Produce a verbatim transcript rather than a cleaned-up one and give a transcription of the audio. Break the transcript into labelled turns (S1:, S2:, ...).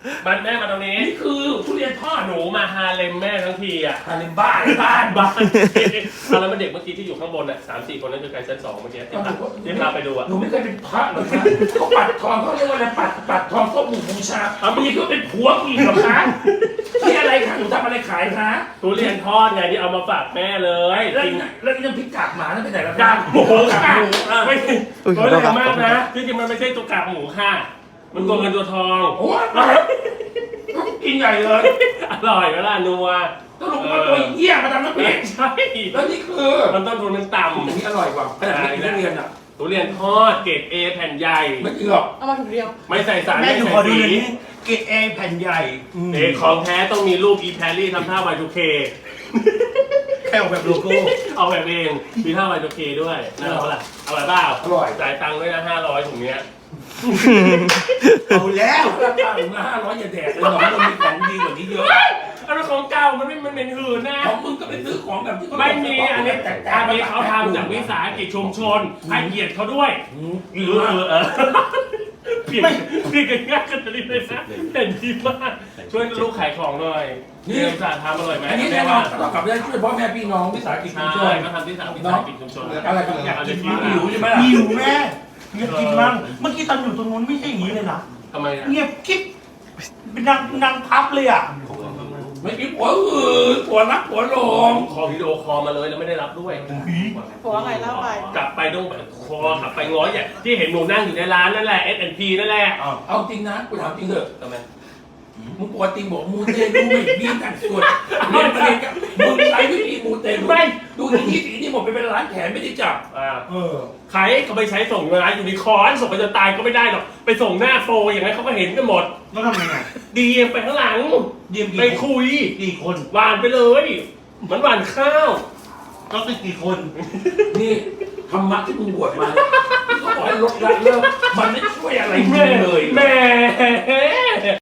S1: มันแม่มาตรงนี้
S2: นี่คือทุเรียนทอด
S1: หนูมาฮาเลมแม่ทั้งทีอ่ะ
S2: ฮาเลมบ้านบ้านบ้าน
S1: เอาแล้วมันเด็กเมื่อกี้ที่อยู่ข้างบนอ่ะสามสี่คนนั่นคือใครชั้นสองเมื่อกี้ที่พาที่พาไปดูอ่ะ
S2: หนูไม่เคยเป็นพระหรอกนะเขาปัดทองเขาเรียกว่าอะไรปัดปัดทองส้มหมูบูชาเอามีก็เป็นผัวกูอีกเหรอคะที่อะไรคะหนูทำอะไรขายคะ
S1: ทุเรียนทอดไงที่เอามาฝากแม่เลย
S2: แล้ว
S1: จริง
S2: แล้วนี่น้ำพริกกากหมานั่นไปไหนแล้ว
S1: กากหมู
S2: กาก
S1: ค่ะ
S2: หมูอ่ะ
S1: ไม่
S3: อุ๊ย
S1: โอ้ย
S3: ขอโทษครับ
S1: แรงมากนะที่จริงมันไม่ใช่ตัวกากหมูค่ะ มันตัวเงินตัวทอง
S2: โอ้ยกินใหญ่เลย
S1: อร่อยเวลานัว
S2: สรุปว่าตัวเหี้ยมาทำน้ำพริก
S1: ใช่
S2: แล้วนี่คือ
S1: มันต้นทุนมันต่
S2: อันนี้อร่อยกว่าขนาดไม่กินทุเรียนอ่ะ
S1: ำทุเรียนทอดเกรดเอแผ่นใหญ่
S2: ไม่จริงหรอก
S4: เอามาถุงเดียว
S1: ไม่ใส่สาร
S5: แม่
S1: ไม่
S5: หนู
S1: ใส่
S5: ขอดู
S1: สี
S5: เลยนี่เกรดเอแผ่นใหญ่อืม
S1: เอกของแท้ต้องมีรูปอีแพรรี่ทำท่า วาย ทู เค
S5: แค่ออกแบบโลโก้
S1: เอาแบบเองมีท่า วาย ทู เค ด้วยน่ารักปะล่ะอร่อยเปล่า
S2: อร่อย
S1: จ่ายตังค์ด้วยนะห้าร้อยถุงเนี้ย
S5: เอาแล้ว
S2: ราคาถึงห้าร้อยอย่าแดกเลยหนอนมันมีของดีกว่านี้เยอะ
S1: อันนั้นของเก่ามันไม่มันเป็นหืนนะ
S2: ของมึงก็ไปซื้อของแบบที่เขา
S1: ไม่มีอันนี้
S2: แต่
S1: อันนี้เขาทำจากวิสาหกิจชุมชนให้เกียรติเขาด้วย
S2: อืม
S1: เออเออเออเปลี่ยนเปลี่ยนกันง่ายขนาดนี้เลยนะเห็นดีมากช่วยลูกขายของหน่อยนี่สาทำอร่อยไหม
S2: อันนี้แน่นอนต้องกลับได้ช่วยพ่อแม่พี่น้องวิสาหกิจชุมช
S1: ใช่
S2: น
S1: ก็ทำที่สามวิสาหกิจชุมชน
S2: อะไรกัน
S1: อยากเอา
S2: กิ
S1: จะ
S2: น
S1: กิน
S2: หิวใช่ไหมล่ะ
S5: หิวแม่เงียบกินมั่งเมื่อกี้ตอนอยู่ตรงนู้นไม่ใช่อย่างนี้เลยนะ
S1: ทำไมอ่ะ
S5: เงียบกิ๊บเป็นนางนางพับเลยอ่ะ
S2: ไม่มีผัวอืดผัวรักผัวหลง
S1: คอวิดีโอคอลมาเลยแล้วไม่ได้รับด้วย
S4: ผัวไงเล่าไป
S1: กลับไปต้องแบบคอกลับไปง้อยอย่างที่เห็นหนูนั่งอยู่ในร้านนั่นแหละ เอส แอนด์ พี นั่นแหละ
S2: เอาจริงนะกูถามจริงเถอะ
S1: ทำไม
S2: มึงปกติบอกมูเตลูไม่มีแต่งส่วนเรียนเรียนกับมึงใช้วิธีมูเตลู
S1: ไม่
S2: ดูที่นี่สีนี่หมดไปเป็นร้านแขนไม่ได้จับ
S1: อ่า
S2: เออ
S1: ใครเขาไปใช้ส่งร้านยูนิคอร์นส่งไปจนตายก็ไม่ได้หรอกไปส่งหน้าโฟร์อย่างนั้นเขาก็เห็นกันหมด
S5: แล้วทำยังไง
S1: ดีเอ็มไปข้างหลัง
S5: เยี่ยม
S1: ไป
S5: กี่คน
S1: คุย
S5: กี่คน
S1: หวานไปเลยเหมือนหวานข้าว
S5: ก็คือกี่คน
S2: นี่ธรรมะที่มึงบวชมาที่เขาบอกให้ลดละเลิกมันไม่ช่วยอะไรมึ
S1: แม่
S2: งเลย
S1: แม่